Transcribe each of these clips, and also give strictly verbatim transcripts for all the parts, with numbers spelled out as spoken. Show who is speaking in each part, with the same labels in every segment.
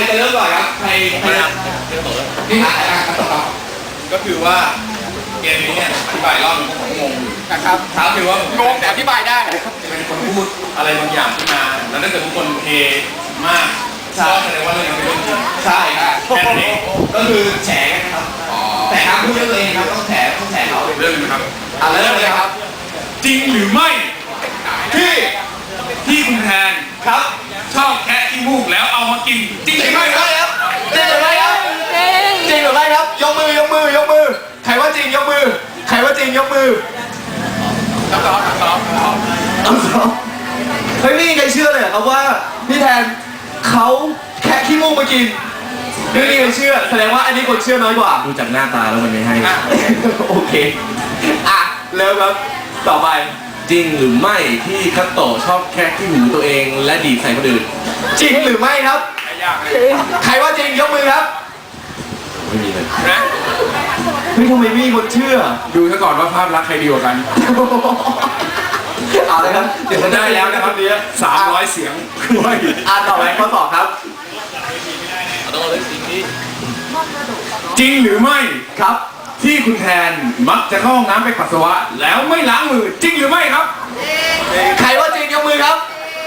Speaker 1: จะเริ่มก่อนครับใครใครนี่อ่ะอ่ะต่อครับก็คือว่าเกมนี้เนี่ยอธิบายรอบนึงก็ผมงงอยู่นะครับถามถือว่างงแต่อธิบายได้เป็นคนพูดอะไรบางอย่างขึ้นมาแล้วถ้าเกิดทุกคนเทมากก็แสดงว่าเรื่องนี้เป็นเรื่องจริงใช่ครับแค่นั้นเองก็คือแฉกันนะครับแต่ครับพูดเรื่องตัวเองครับต้องแฉต้องแฉเขาเรื่องนึงครับอ่ะเริ่มเลยครับจริงหรือไม่ที่ที่คุณแทนครับชอบแคะขี้มูกแล้วเอามากินจริงหรือไม่ครับจริงหรือไม่ครับจริงหรือไม่ครับยกมือยกมือยกมือใครว่าจริงยกมือใครว่าจริงยกมือต้องร้องต้องร้องต้องร้องต้องร้องเฮ้ยไม่มีใครเชื่อเลยครับว่าพี่แทนเขาแคะขี้มูกมากินไม่มีใครเชื่อแสดงว่าอันนี้คนเชื่อน้อยกว่า
Speaker 2: ดูจากหน้าตาแล้วมันไม่ให้
Speaker 1: โอเคอ่ะเริ่มครับต่อไป
Speaker 2: จริงหรือไม่ที่คัตโตะชอบแคะที่หูตัวเองและดีดใส่คนอื่น
Speaker 1: จริงหรือไม่ครับใครว่าจริงยกมือครับ
Speaker 2: ไม่มีเลย
Speaker 1: นะเฮ้ยทำไมไม่มีคนเชื่อ
Speaker 3: ดูซะก่อนว่าภาพลักษณ์ใครดีกว่ากัน
Speaker 1: เอาเลยครับเดี๋ยว
Speaker 3: ได้แล้วนะครับเนี้ยสามร้อยเสียงด้วย
Speaker 1: อ่านต่อไปข้อสอบครับ
Speaker 2: ต้องเลือกสิ่งนี้
Speaker 3: จริงหรือไม่
Speaker 1: ครับ
Speaker 3: ที่คุณแทนมักจะเข้าห้องน้ำไปปัสสาวะแล้วไม่ล้างมือจริงหรือไม่ครับ
Speaker 1: ใครว่าจริงยกมือครับ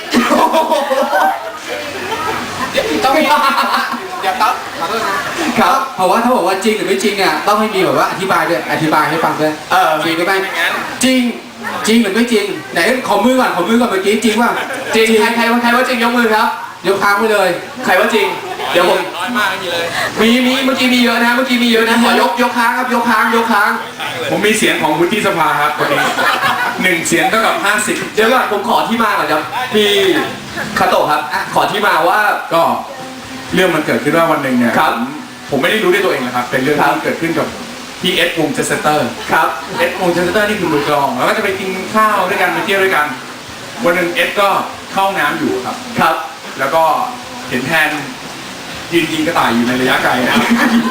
Speaker 1: ต้องมีอย่าตัดขอโทษนะครับ
Speaker 4: เพราะว่าถ้าบอกว่าจริงหรือไม่จริงอ่ะต้องให้มีแบบว่าอธิบายด้วยอธิบายให้ฟังด้วย
Speaker 1: เออ
Speaker 4: จริงหรือไม่จริงจริงหรือไม่จริงไหนขอมือก่อนขอมือก่อนเมื่อกี้จริงว่า
Speaker 1: จริงใครใครว่าใครว่าจริงยกมือครับ
Speaker 4: ยกค้างไปเลย
Speaker 1: ใครว่าจริงเดี๋ยวผม
Speaker 2: น้อยมากไม่มีเลย
Speaker 1: มีมีเมื่อกี้มีเยอะนะเมื่อกี้มีเยอะนะขอยกยกค้างครับยกค้างยกค้าง
Speaker 3: ผมมีเสียงของวุฒิสภาครับวันนี้หนึ่งเสียงเท่ากับห้าสิบ
Speaker 1: เดี๋ยวก่อนผมขอที่มาก่อนครับพี่คาโตะครับขอที่มาว่า
Speaker 3: ก็เรื่องมันเกิดขึ้นว่าวันหนึ่งเนี่ย
Speaker 1: ครับ
Speaker 3: ผมไม่ได้รู้ด้วยตัวเองนะครับเป็นเรื่องที่เกิดขึ้นกับพี่เอ็ดวงเจสเตอร์
Speaker 1: ครับ
Speaker 3: เอ็ดวงเจสเตอร์นี่คือมือกลองแล้วก็จะไปกินข้าวด้วยกันไปเที่ยวด้วยกันวันหนึ่งเอ็ดก็เข้าน้ำอยู่ครับ
Speaker 1: ครับ
Speaker 3: แล้วก็เห็นแทนยืนยิงกระต่ายอยู่ในระยะไกลนะครับ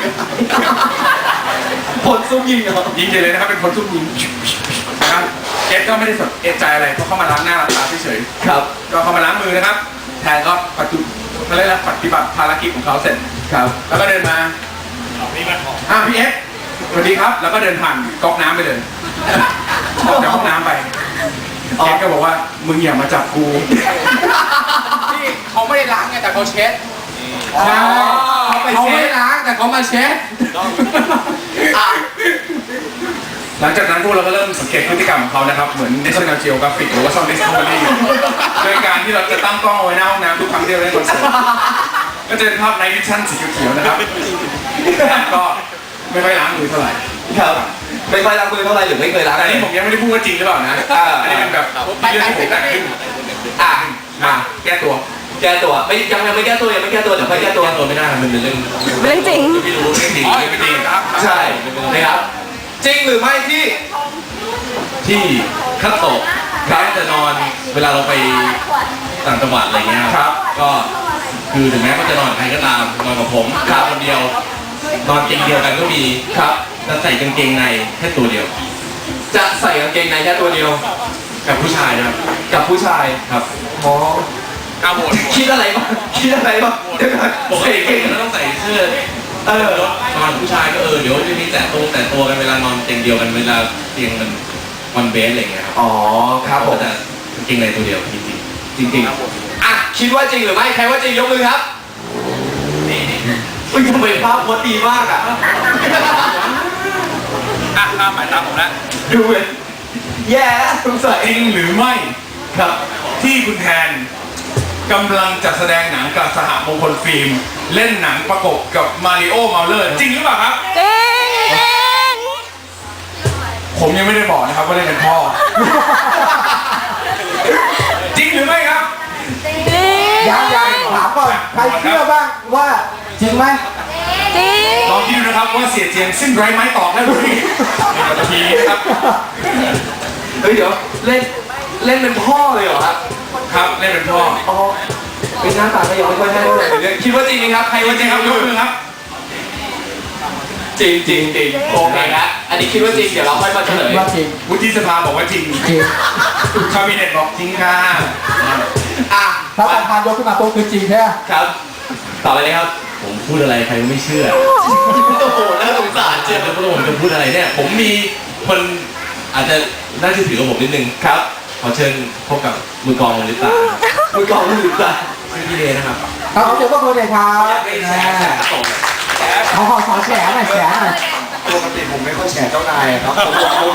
Speaker 1: ผลซุ่มยิงเหรอ
Speaker 3: ยิงเลยนะครับเป็นคนซุ่มยิงนะครับเอ็ดก็ไม่ได้สนเอ็ดใจอะไรเพราะเขามาล้างหน้าล้างตาเฉย
Speaker 1: ๆครับ
Speaker 3: ก็เขามาล้างมือนะครับแทนก็ปฏิเขาเรียกว่าปฏิบัติภารกิจของเขาเสร็จ
Speaker 1: ครับ
Speaker 3: แล้วก็เดินมาอ่ะพี่เอ็ดสวัสดีครับแล้วก็เดินผ่านก๊อกน้ำไปเลยออกจากห้องน้ำไปเอ็ดก็บอกว่ามึงอย่ามาจับกู
Speaker 1: ที่เขาไม่ได้ล้างไงแต่เขาเช็ด
Speaker 4: ใช่เขาไม่ล้างแต่เขามาเช็ด
Speaker 3: หลังจากนั้นพวกเราก็เริ่มสังเกตพฤติกรรมของเขานะครับเหมือน National Geographic หรือว่า Sound Discovery โดยการที่เราจะตั้งกล้องเอาไว้หน้าห้องน้ำทุกครั้งที่เราเล่นคอนเสิร์ตก็จะเป็นภาพไนท์วิชั่นสีเขียวๆนะครับก็ไม่ค่อยล้างมือเท่าไหร่
Speaker 1: ครับไม่ค่อยล้างมือเท่าไหร่หรือไม่เคยล้าง
Speaker 3: แต่นี่ผมยังไม่ได้พูดว่าจริงหรือเปล่านะอันนี้เป็นแบบเรื่องที่ผมแต่งขึ้น
Speaker 1: อ่ะ
Speaker 3: มาแก้ตัว
Speaker 1: แก้ตัวไม่ยังยังไม่แก้ตัวยังไม่แก้ตัวเดี๋ยวค่อยแก้ตัว
Speaker 2: ตัวไม่ได้มันเป็นเรื่อง
Speaker 5: เรื่องจริง
Speaker 2: ไม่รู้เรื่องจริง
Speaker 3: ไม่จริงครับ
Speaker 1: ใช่นะครับจริงหรือไม่ที่
Speaker 2: ที่คัตโตะครับจะนอนเวลาเราไปต่างจังหวัดอะไรเงี้ย
Speaker 1: ครับ
Speaker 2: ก็คือถึงแม้เขาจะนอนใครก็ตามนอนกับผมครับคนเดียวนอนเตียงเดียวกันก็มี
Speaker 1: ครับ
Speaker 2: จะใส่กางเกงในแค่ตัวเดียว
Speaker 1: จะใส่กางเกงในแค่ตัวเดียว
Speaker 2: กับผู้ชายนะครับ
Speaker 1: กับผู้ชาย
Speaker 2: ครับ
Speaker 1: อ๋อเอาหมดคิดอะไรบ้างคิดอะไรบ้าง
Speaker 2: ปกติเราต้องใส่เสื้อ
Speaker 1: เอ
Speaker 2: อนอนผู้ชายก็เออเดี๋ยวจะมีแต่ตัวแต่ตัวกันเวลานอนเตียงเดียวกันเวลาเตียงมันวันเบสอะไรเงี้ยครับ
Speaker 1: อ๋อครับผม
Speaker 2: แต่กางเกงในตัวเดียวจริงจริงจริง
Speaker 1: อ่ะคิดว่าจริงหรือไม่ใครว่าจริงยกมือครับนี่อุ้ยทำไมภาพโคตรดีมากอ่ะ
Speaker 3: อ่ะตามหมายตามผมแล้ว
Speaker 1: ดูเลยแย่สงสัย
Speaker 3: จริงหรือไม่
Speaker 1: ครับ
Speaker 3: ที่คุณแทนกำลังจัดแสดงหนังกับสหมงคลฟิล์มเล่นหนังประกบกับมาริโอเมาเลอร์จริงหรือเปล่าครับ
Speaker 5: จริง
Speaker 3: ผมยังไม่ได้บอกนะครับว่าเล่นเป็นพ่อจริงหรือไม่ครับ
Speaker 5: จริง
Speaker 4: ยังยังถามก่อนใครเชื่อบ้างว่าจริงไหม
Speaker 5: จริง
Speaker 3: ลองคิดดูนะครับว่าเสียเจียงสิ้นไร้ไม้ตอกได้หรือไม่ในปัตตภีนะครับ
Speaker 1: เฮ้ยเดี๋ยวเล่นเล่นเป็นพ่อเลยเหรอครับ
Speaker 3: ครับเล่นเป็นพ่อ
Speaker 1: อ๋อเป็นหน้าตาก็ยังไม่ค่อยให้เท่าไหร่เลยคิดว่าจริงไหมครับใครว่าจริงครับยกมือครับจริงจริงจริงโอเคนะอันนี้คิดว่าจริงเดี๋ยวเราค่อยมาเฉลย
Speaker 4: ว่าจริง
Speaker 3: วุฒิสภาบอกว่าจริง
Speaker 4: จริง
Speaker 3: คาบิเนตบอกจริงค่ะ
Speaker 1: อ่ะ
Speaker 4: ถ้าประธานยกขึ้นมาโต๊ะคือจริงแท้
Speaker 1: ครับ
Speaker 2: ต่อไปเลยครับ ผมพูดอะไรใครก็ไม่เชื่อ
Speaker 1: โอ้โหน่าสงสาร
Speaker 2: เจ็บแล้วผมจะพูดอะไรเนี่ย ผมมีคนอาจจะน่าเชื่อถือกว่าผมนิดนึงครับ ขอเชิญพบกับมือกลองมือลิตา
Speaker 1: มือกองมือตา
Speaker 2: ชื่อพี่เลนะครับ
Speaker 4: ครับเดี๋ยวก็โปรเจกต์ครับ
Speaker 2: ไม่แชร์แชร์ส่ง
Speaker 4: เขาขอสอนแฉหน่อยแฉหน่อย
Speaker 1: ปกติผมไม่ค่อยแฉเจ้านายครับผม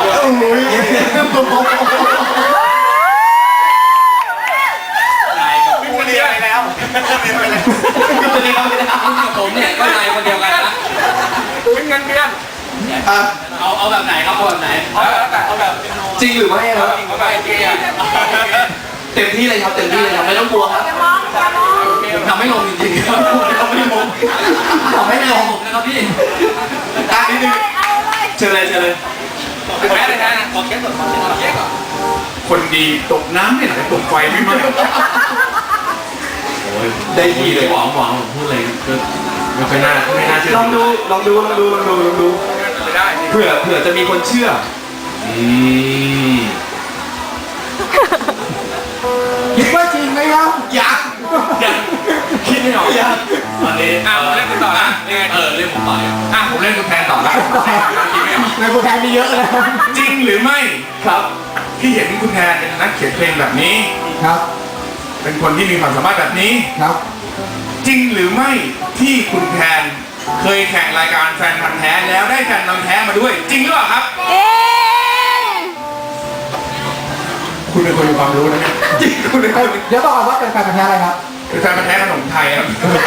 Speaker 1: นายกับผู้เรียนไปแล้วไม่เป็นไรไม่เป็นไรไม่เป็นไร
Speaker 2: ผมเนี่ยก็นายคนเดียวกันนะ
Speaker 3: เป็นเงินเดือน
Speaker 1: เอาเอาแบบไหนครับเอาแบบไหนเอาแบบเอาแบบ
Speaker 4: จริงหรือไม่ครับ
Speaker 1: เอาแบบเกย์
Speaker 4: เต็มที่เลยครับเต็มที่เลยครับไม่ต้องกลัวครับ
Speaker 5: อย่ามองอย่ามอง
Speaker 4: ผมทำไม่ลงจริงๆครับทำไม่ลงทำไม่ลงนะครับพี่อ่ะนิดนึง
Speaker 5: เอาเลย
Speaker 4: เชิญเลยเชิญเลย
Speaker 1: แม่เลยนะขอแก้ก่อนขอแก้ก่อน
Speaker 3: คนดีตกน้ำไม่ไหลตกไฟไม่ไหม้
Speaker 2: โอ้ยได้ทีเลยหวังหวังผมพูดอะไรก็ไม่ค่อยน่าไม่น่าเชื่อ
Speaker 4: ลองดูลองดูลองดูลองดูลองดู
Speaker 3: ไม่ได้
Speaker 4: เผื่อเผื่อจะมีคนเชื่อ
Speaker 2: อืม
Speaker 4: คิดว่าจริงไหมครับ
Speaker 1: ยัง
Speaker 2: ยังคิดไม่ออกยังตอนนี้
Speaker 3: อ่ะผมเล่นคุณต่อละยังไง
Speaker 2: เออเรื่องผมต่อเลย
Speaker 3: อ่ะผมเล่นคุณแทนต่อละคิดไม่ออก
Speaker 4: ในโปรแกรมมีเยอะนะ
Speaker 3: จริงหรือไม่
Speaker 4: ครับ
Speaker 3: ที่เห็นคุณแทนเป็นนักเขียนเพลงแบบนี้
Speaker 4: ครับ
Speaker 3: เป็นคนที่มีความสามารถแบบนี้
Speaker 4: ครับ
Speaker 3: จริงหรือไม่ที่คุณแทนเคยแข่งรายการแฟนพันธ์แท้แล้วได้แฟนพันธ์แท้มาด้วย จริงหรือเปล่าครับ
Speaker 5: จริง
Speaker 3: คุณเป็นคนมีความรู้นะเนี่ย
Speaker 4: จริงคุณเลยเดี๋ยวบอกก่อนว่าเป็นแฟนพันธุ์แท้อะไรครับ
Speaker 3: เป็นแฟนพันธ์แท้ขนมไทยครับ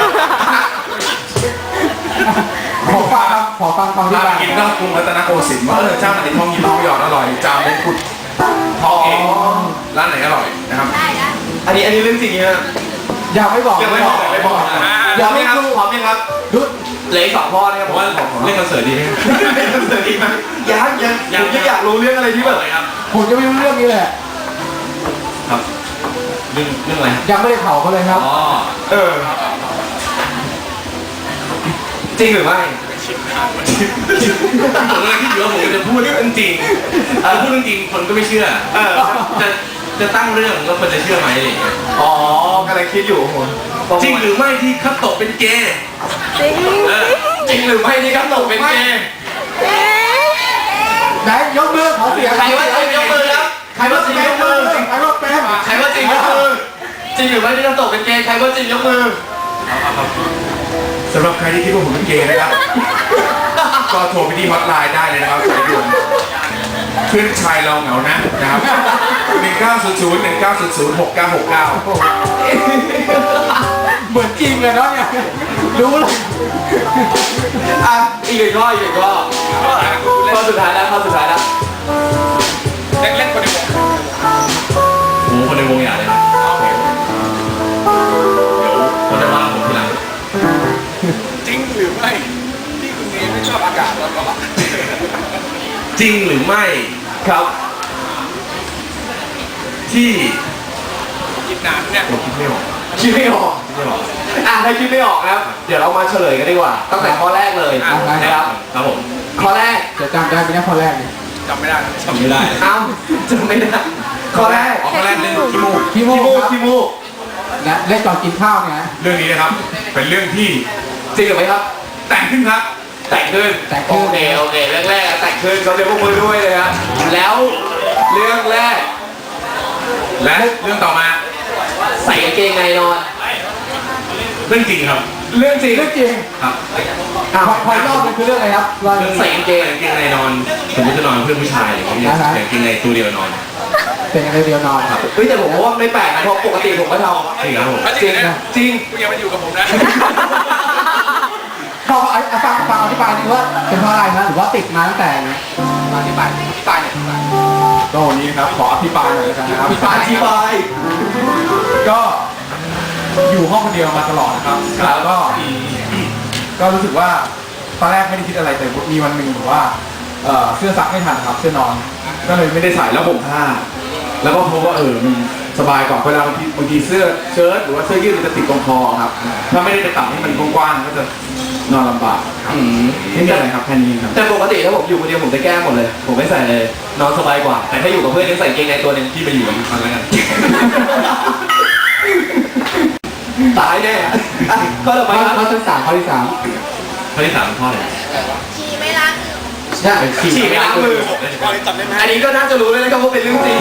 Speaker 4: ขอฟังครับขอฟังความที่
Speaker 3: ถ้า
Speaker 4: บ้าน
Speaker 3: กินก็กรุงรัตนโกสินทร์ว่าเออเจ้าไหนทองหยิบทองหยอดอร่อยจามเป็นขุดทองเองร้านไหนอร่อยนะครับ
Speaker 5: ได้นะ
Speaker 1: อันนี้อันนี้เรื่องจริงนะ
Speaker 4: อย่าไม่บอก
Speaker 1: ยังไม่บอกยังไม่บอก
Speaker 4: อย่าไม่
Speaker 1: ครับ
Speaker 4: ดู
Speaker 1: พร้อมยังครับ
Speaker 4: ดู
Speaker 1: เหลืออีกสองข้อนะครับ
Speaker 2: ผมว่าเล่นคอนเสิร์ตดีไหม
Speaker 1: เป็นคอนเสิร์ตดีไหมยังยังผมยังอยากรู้เรื่องอะไรที่แบบ
Speaker 2: ครับ
Speaker 4: ผมจะไม่รู้เรื่องนี้เลย
Speaker 2: ครับเรื่องเรื่องอะไรครับ
Speaker 4: ยังไม่ได้เผาเขาเลยครับ
Speaker 2: อ๋อ
Speaker 1: เออจริงหรือไม่
Speaker 2: ผมกำลังคิดอยู่ว่าผมจะพูดเรื่องจริงเออพูดเรื่องจริงคนก็ไม่เชื่อ
Speaker 1: เออ
Speaker 2: จะจะตั้งเรื่องแล้วคนจะเชื่อไหมอะไรอย่างเงี้ย
Speaker 1: อ๋อกำลังคิดอยู่โห
Speaker 2: จริงหรือไม่ที่คัตโตะเป็นเกย์
Speaker 5: จริง
Speaker 2: เออ
Speaker 1: จริงหรือไม่นี่ครับตกเป็นเกย์
Speaker 5: จริง
Speaker 4: ไหนยกมือขอเสียง
Speaker 1: ใครว่าจริงยกมือครับใครว่าจริงยกมือ
Speaker 4: ใครว่าเป็น
Speaker 1: ใครว่าจริงยกมือจริงหรือไม่ที่ต้องตกเป็นเกย์ใครว่าจริงยกมือ
Speaker 3: สำหรับใครที่คิดว่าผมเป็นเกย์นะครับ ก็โทรไปที่ฮอตไลน์ได้เลยนะครับสายด่วนเพื่อนชายเราเหงานะนะครับหนึ่งเก้าศูนย์ศูนย์หนึ่งเก้าศูนย์ศูนย์หกเก้าหกเก้า
Speaker 4: เหมือนจริงเลยเนาะเนี่ยรู้เลย
Speaker 1: อ่ะอีกหนึ่งข้ออีกหนึ่งข้อข้อสุดท้ายแล้วข้อสุดท้ายแล้ว
Speaker 3: เล่นเล่นคนในวง
Speaker 2: โอ้โหคนในวงอย่าเลยนะเดี๋ยวคนจะว่าผมทีหลัง
Speaker 3: จริงหรือไม่ที่คุณเนยไม่ชอบอากาศร้อน
Speaker 2: จริงหรือไม่
Speaker 4: ครับ
Speaker 2: ที่
Speaker 3: ๆคิดนานเนี่ย
Speaker 2: ผมคิดไม่ออก
Speaker 1: คิดไม่ออก
Speaker 2: คิดไม่ออก
Speaker 1: อ่ะถ้าคิดไม่ออกนะครับเดี๋ยวเรามาเฉลยกันดีกว่าตั้งแต่ข้อแรกเลย
Speaker 4: อ่ะ
Speaker 1: นะครับ
Speaker 2: ครับผม
Speaker 1: ข้อแรก
Speaker 4: จะจำได้ไหมเนี่ยข้อแรกเนี่ย
Speaker 3: จำไม่ได้นะ
Speaker 2: ทำไม่ได้
Speaker 1: เอ้าจำไม่ได้ข้อแรก
Speaker 2: อ๋อคนแรกเล่นขี้มูก
Speaker 4: พี่โม
Speaker 1: ขี้มูก
Speaker 4: ครับ
Speaker 1: ขี้มูก
Speaker 4: นะเล่นตอนกินข้าวเนี่ยนะ
Speaker 3: เรื่องนี้นะครับ เป็นเรื่องที่
Speaker 1: จริงหรือไม่ครับ
Speaker 3: แต่งขึ้นครับ
Speaker 1: แต่งขึ้น
Speaker 4: แต่งขึ้น
Speaker 1: โอเคโอเคเรื่องแรกอะแต่งขึ้นเขาเรียกพวกมือด้วยเลยครับแล้วเรื่องแรก
Speaker 3: และเรื่องต่อมา
Speaker 1: ใส่กางเกงในนอน
Speaker 2: เรื่องจริงครับ
Speaker 1: เรื่องจริง
Speaker 4: เรื่องจริง
Speaker 2: ครับ
Speaker 4: อ่ะพอพอรอบมันคือเรื่องอะไรครับว่า
Speaker 2: เรื่องใส่กางเกงกางเกงในนอนสมมติจะนอนกับเพื่อนผู้ชายอะไรอย่างเงี้ย
Speaker 4: อ่าฮะ
Speaker 2: ใส่กางเกงในตัวเดียวนอน
Speaker 4: เป็นอะไรเดียวนอนครับ
Speaker 1: เฮ้ยแต่ผมว่าไม่แปลกนะเพราะปกติผมก็ท
Speaker 2: จริงครับผม
Speaker 1: ำจริงนะจริง
Speaker 3: คุณอย่ามาอยู่กับผมนะ
Speaker 4: พอเอาเอาฟังฟังอธิบายดีว่าเป็นเพราะอะไรนะหรือว่าติดมาตั้งแต่มาอธิบายอธิบายเนี่ยอธิบาย
Speaker 3: ก็วันนี้นะครับขออภิปรายหน่อยแล้วกันนะครับ
Speaker 4: อธิบาย
Speaker 1: อธิบาย
Speaker 3: ก็อยู่ห้องคนเดียวมาตลอดนะครับแล้วก็ก็รู้สึกว่าตอนแรกไม่ได้คิดอะไรแต่มีวันหนึ่งแบบว่าเอ่อเสื้อซักไม่ทันครับเสื้อนอน ก็เลยไม่ได้ใส่แล้วผมผ้า แล้วก็พบว่าเออมันสบายกว่าเวลาบางทีบางทีเสื้อเชิ้ตหรือว่าเสื้อยืดมันจะติดตรงคอครับ ถ้าไม่ได้ไปตัดให้มันกว้างๆก็จะนอนลำบาก
Speaker 1: อืม
Speaker 3: ไม่มีอะไรครับแค่นี้ครับ
Speaker 1: แต่ปกติถ้าผมอยู่คนเดียวผมจะแก้หมดเลย ผมไม่ใส่เลย นอนสบายกว่า แต่ถ้าอยู่กับเพื่อนยังใส่กางเกงในตัวหนึง
Speaker 2: ที่ไปอยู่กับมันแล้วกัน
Speaker 6: ตายแน่อ่ะข้อต่อไป
Speaker 4: ข้อ
Speaker 6: ครับ
Speaker 4: ข้อที่สามข้อที่สาม
Speaker 2: ข้อที่สามข้ออะไร
Speaker 5: ฉี่ไม่ล้าง
Speaker 4: ใช่ฉี่
Speaker 6: ฉี่ไม่ล้างมือ อันนี้ก็น่าจะรู้เลยนะครับว่าเป็นเรื่องจริง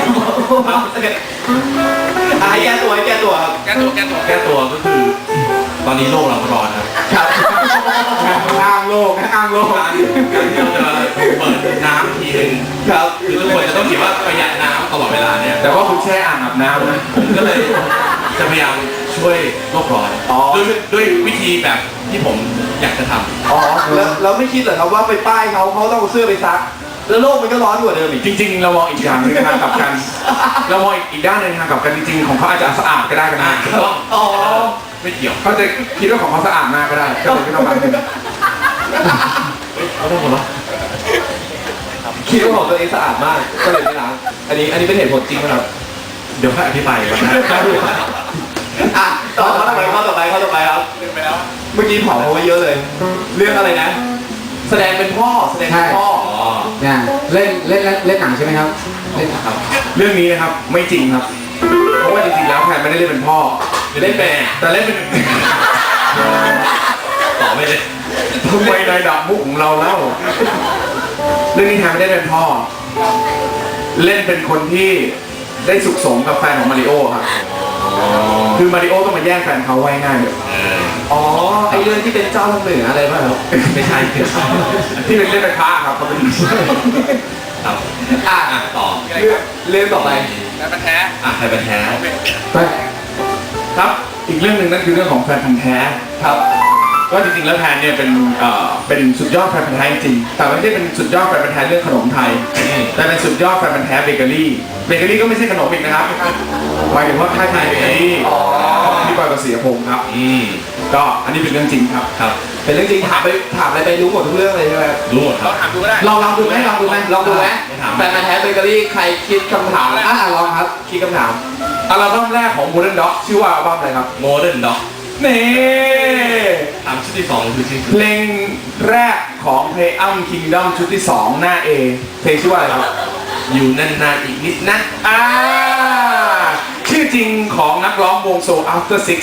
Speaker 6: อ่ะให้แก้ตัวให้แก้ตัวครับ
Speaker 1: แก้ตัวแก้ตัว
Speaker 2: แก้ตัวก็คือ ตอนนี้โลกเราร้อนครับ
Speaker 6: ครับ
Speaker 4: อ้างโลกนะอ้างโลก
Speaker 2: การการที่เราจะเปิดน้ำทีนึง
Speaker 6: ครับ
Speaker 2: คือทุกคนจะต้องคิดว่าประหยัดน้ำตลอดเวลาเนี่ย
Speaker 3: แต่ว่าคุณแช่อ่างอาบน้ำนะ
Speaker 2: ผมก็เลยจะพยายามช่วยโลกร้อน
Speaker 6: อ๋อ
Speaker 2: ด้วยด้วยวิธีแบบที่ผมอยากจะทำ
Speaker 6: อ๋อแล้วแล้วไม่คิดเหรอครับว่าไปป้ายเขาเขาต้องเอาเสื้อไปซัก แล้วโลกมันก็ร้อนกว่าเดิมอีก
Speaker 3: จริงๆ เรามองอีกอย่างหนึงทางกลับกัน เรามองอีกด้านหนึงทางกลับกันจริงๆ ของเขาอาจจะสะอาดก็ได้กันนะ
Speaker 2: ถูกต้อง
Speaker 6: อ๋อ
Speaker 2: ไม่เกี่ยว
Speaker 3: เขาจะคิดว่าของเขาสะอาดมากก็ได้ก็เลยไม่ต้องมาถึง
Speaker 2: เขาต้องหัวเราะ
Speaker 6: คิดว่าของตัวเองสะอาดมากก็เลยไม่ล้างอันนี้อันนี้เป็นเหตุผลจริงไหมครับ
Speaker 2: เดี๋ยวค่อยอธิบายก่อนนะ
Speaker 6: อ่ะต่อข้อต่อไปข้อต่อไปข้อต่อไปครับ
Speaker 1: ลืมไปแล้ว
Speaker 6: เมื่อกี้เผาเขาไว้เยอะเลย เรื่องอะไรนะ แสดงเป็นพ่อแสดงเป็นพ่อ
Speaker 2: อ๋อ
Speaker 4: เนี่ยเล่นเล่นเล่นเล่นหนังใช่ไหมครับเล่น
Speaker 2: ครับ
Speaker 3: เรื่องนี้นะครับไม่จริงครับ เพราะว่าจริงๆ แล้วแพนไม่ได้เล่นเป็นพ่อ
Speaker 2: เล่นแม่
Speaker 3: แต่เล่นเป็น
Speaker 2: ต่อไม่เลย
Speaker 3: ทำไมนายดับมุกของเราเล่าเรื่องนี้แพนไม่ได้เป็นพ่อ เล่นเป็นคนที่ได้สุขสมกับแฟนของมาริโอครับ คือมาริโอต้องมาแย่งแฟนเขาไว้ง่ายเลย
Speaker 2: เออ
Speaker 6: อ๋อไอเรื่องที่เป็นเจ้าทางเหนืออะไรป่ะครับ
Speaker 2: ไม่ใช่คือ
Speaker 3: ที่เป็นเล่นเป็นพระครับเขาเป็น
Speaker 2: ครับ
Speaker 6: อ่ะ
Speaker 2: อ่ะต่อ
Speaker 6: เรื่องเรื่องต่อไป
Speaker 1: แล้วมันแท้
Speaker 2: อ่ะใครเป็นแท้
Speaker 4: ไป
Speaker 3: ครับ อีกเรื่องหนึ่งนั่นคือเรื่องของแฟนพันธ์แท้
Speaker 6: ครับ
Speaker 3: ก็จริงๆ แล้วแพนเนี่ยเป็นเอ่อเป็นสุดยอดแฟนพันธ์แท้จริงๆแต่ไม่ได้เป็นสุดยอดแฟนพันธ์แท้เรื่องขนมไทย แต่เป็นสุดยอดแฟนพันธ์แท้เบเกอรี่เบเกอรี่ก็ไม่ใช่ขนมอีกนะครับหมายถึงว่าค่ายไทยเบเกอรี่ที่บอยกับเสียพงศ์ครับ
Speaker 2: อืม
Speaker 3: ก็อันนี้เป็นเรื่องจริงครับ
Speaker 2: ครับ
Speaker 6: เป็นเรื่องจริงถามไปถามอะไรไปรู้หมดทุกเรื่องเลยใช่ไหม
Speaker 2: รู้หมดค
Speaker 1: เรา
Speaker 2: รับ
Speaker 1: ถามดูก็ได้
Speaker 6: ลองลองดูไหมลองดูไหมลองดูไหม
Speaker 2: ไม่ถาม
Speaker 6: แฟนมาแท้เบเกอรี่ใครคิดคำถาม
Speaker 4: อ่ะลองครับ
Speaker 6: คิดคำถาม
Speaker 3: อัลบั้มแรกของ Modern Dog ชื่อว่าอัลบั้มอะไรครับ
Speaker 2: โมเดิร์นด็อก
Speaker 3: นี่
Speaker 2: ถามชุดที่สองคือชื่อ
Speaker 3: เพลงแรกของ Play Um Kingdom ชุดที่สองหน้า A เพลงชื่อว่าอะไรครับ
Speaker 2: อยู่นานๆอีกนิดนะ
Speaker 3: อ่าชื่อจริงของนักร้องวงโซ After Six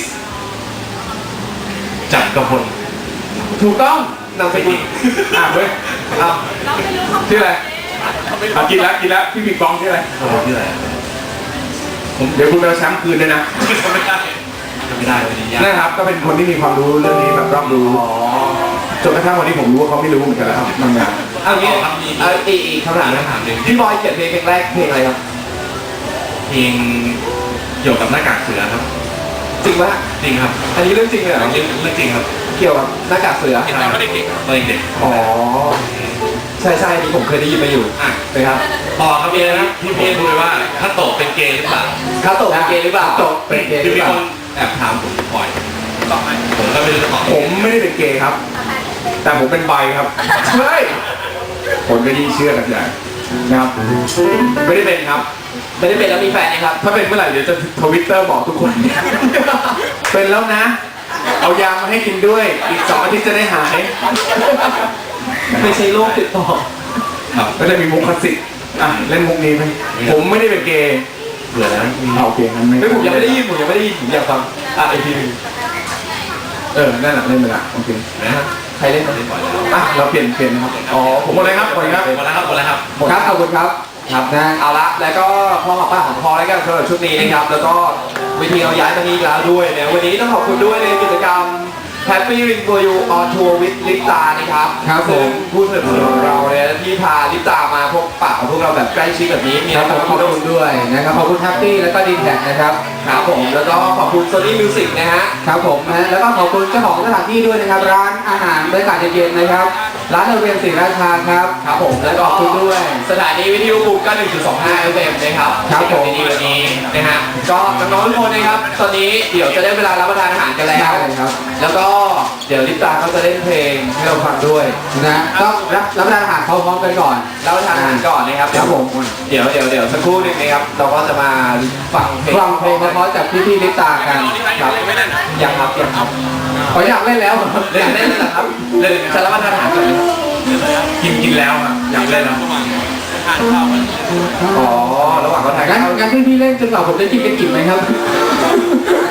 Speaker 2: จับกระพล
Speaker 6: ถูกต้องนำไปอีก
Speaker 3: อ่ะเว้ย
Speaker 6: เอา
Speaker 3: ชื่ออะไรอ่ะกินแล้วกินแล้วพี่บิ๊กบองชื่ออะไร
Speaker 2: โอ้โหชื่ออะไรผม
Speaker 3: เดี๋ยวคุณไปเอาแชมป์คืนด้วยนะ
Speaker 2: จำไม่ได้จำไม่ได้วันนี้ยาก
Speaker 3: นะครับก็เป็นคนที่มีความรู้เรื่องนี้แบบรอบรู้จนกระทั่งวันนี้ผมรู้ว่าเขาไม่รู้เหมือนกันแล้วครับบางอย่าง
Speaker 6: เอางี้เอาอีกอีกคำถามนะ
Speaker 2: ถามหนึ่ง
Speaker 6: พี่บอยเขียนเพลงเพลงแรกเพลงอะไรครับ
Speaker 2: เพลงเกี่ยวกับหน้ากากเสือครับ
Speaker 6: จริงปะ
Speaker 2: จริงครับ
Speaker 6: อันนี้เรื่องจริงเลยเหรอ
Speaker 2: เรื่องเรื่องจริงครับ
Speaker 6: เกี่ยวกับหน้ากากเสือ
Speaker 1: เห็นตอนเขาเด็ก
Speaker 2: ตอนเด็ก
Speaker 6: อ๋อใช่ใช่อันนี้ผมเคยได้ยินมาอยู่
Speaker 2: อ่ะ
Speaker 6: นะครับ
Speaker 2: ต่อครับเมียนะที่ผมพูดไปว่าถ้าโตเป็นเกย์หรือเปล่า
Speaker 6: เขาตกเป็นเกย์หรือเปล่าตกเป็นเกย์ห
Speaker 2: คือ
Speaker 6: รือ
Speaker 2: มี
Speaker 6: เปล่า
Speaker 2: คนแอบถามผมบ่อย
Speaker 1: ๆตอบไหม
Speaker 2: ผมก็ไม่รู้จะตอบ
Speaker 3: ผมไม่ได้เป็นเกย์ครับ แต่ผมเป็นใบครับใช่คนก็ยิ่งเชื่อกันใหญ่นะครับไม่ได้เป็นครับ
Speaker 6: ไม่ได้เป็นแล้วมีแฟนนะครับ
Speaker 3: ถ้าเป็นเมื่อไหร่เดี๋ยวจะทวิตเตอร์บอกทุกคน เป็นแล้วนะ เอายามาให้กินด้วย อีกสองอาทิตย์จะได้หาย
Speaker 6: ไม่ใช่โรคติดต่อ
Speaker 2: ครับ
Speaker 3: ก็จะมีมุกคลาสสิกอ่ะเล่นมุกนี้ไหมผมไม่ได้เป็นเกย์
Speaker 2: เบื่อแล้วมี
Speaker 3: เอาโอเคงั้นไม่
Speaker 6: ไม่ผมยังไม่ได้ยินผมยังไม่ได้ยินผมอยากฟังอ่ะอีกทีหนึง
Speaker 3: เออนั่นแหละเล่นไปละโอเค
Speaker 2: นะครับ
Speaker 6: ใครเล่นครับ
Speaker 2: เล่นบ่อยแล้ว
Speaker 3: อ่ะเราเปลี่ยนเปลี่ยนนะครับอ๋อผมหมดเลยครับหมดเลยครับ
Speaker 2: หมดแล้วครับหมดแล้วครับ
Speaker 4: ครับขอบคุณครับครับนะ
Speaker 6: เอาละแล้วก็พอหอมปากหอมคอแล้วกันสำหรับชุดนี้นะครับ แล้วก็วิธีเราย้ายมานี้อีกแล้วด้วยนะวันนี้ต้องขอบคุณด้วยในกิจกรรม Happy Ring for You on Tour with ลิปตานะครับ
Speaker 4: ครับผม
Speaker 6: ซึ่งผู้สนับสนุนของเราเนี่ยที่พาลิปตามาพบปะกับพวกเราแบบใกล้ชิดแบบนี้มี
Speaker 4: ครั
Speaker 6: นะ
Speaker 4: บ
Speaker 6: ค
Speaker 4: ผ
Speaker 6: รับ
Speaker 4: มขอบคุณด้วยนะครับขอบคุณแฮปปี้แล้วก็ดีแท็กนะครับ
Speaker 6: ครับผมแล้วก็ขอบคุณ Sony Music นะฮะ
Speaker 4: ครับผมนะแล้วก็ขอบคุณเจ้าของสถานที่ด้วยนะครับ ร้านอาหารบรรยากาศเย็นๆนะครับ ร้านโรงเรียนศรีราชาครับ
Speaker 6: ครับผมแล้วก็
Speaker 4: ขอบคุณด้วย
Speaker 6: สถานีวิทยุบุกก็ หนึ่งจุดสองห้า เอฟ เอ็ม นะครับ
Speaker 4: ครับผม
Speaker 6: ในวันนี้นะฮะก็น้องๆทุกคนนะครับตอนนี้เดี๋ยวจะได้เวลารับประทานอาหารกันแล้ว
Speaker 4: ใช่ครับ
Speaker 6: แล้วก็เดี๋ยวลิปตาเขาจะเล่นเพลงให้เราฟังด้วย
Speaker 4: นะก็รับรับประทานอาหารพร้อมๆกันก่อน
Speaker 6: รับประทานอาหารก่อนนะครับ
Speaker 4: ครับผม
Speaker 6: เดี๋ยวเดี๋ยวเดี๋ยวสักครู่หนึงนะครับเราก็จะมาฟังเพลง
Speaker 4: ฟังเพลงเพราะๆจากพี่ๆลิปตากัน
Speaker 6: ครับ
Speaker 1: ไม่ได้นะ
Speaker 6: ยังครับยังครับ
Speaker 4: ขออยากเล่นแล้ว
Speaker 6: เล่นเล่นเลยเหรอครับเล่นจะรับประทานอาหารก่อนไหม
Speaker 3: กินกินแล้วครับอยากเล่นแล้ว
Speaker 1: ทานข้าวกัน
Speaker 6: อ๋อระหว่างเขาถ่าย
Speaker 4: งั้น
Speaker 6: ข้าว
Speaker 4: งั้นพี่ๆเล่นจนกว่าผมจะกินเป็นกิ่มไหมครับ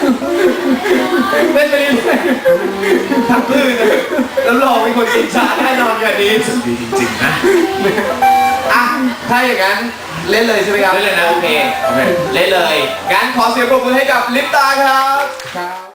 Speaker 6: เล่นไปเรื่อยๆทั้งคืนแล้วรองเป็นคนกินชาแน่นอนอย่างนี้
Speaker 3: ดีจริงๆนะ
Speaker 6: อ่ะถ้าอย่างนั้นเล่นเลยใช่ไหมครับ
Speaker 3: เล่นเลยนะ
Speaker 6: โอเค
Speaker 3: โอเค
Speaker 6: เล่นเลยงั้นขอเสียงปรบมือให้กับลิปตาครับครับ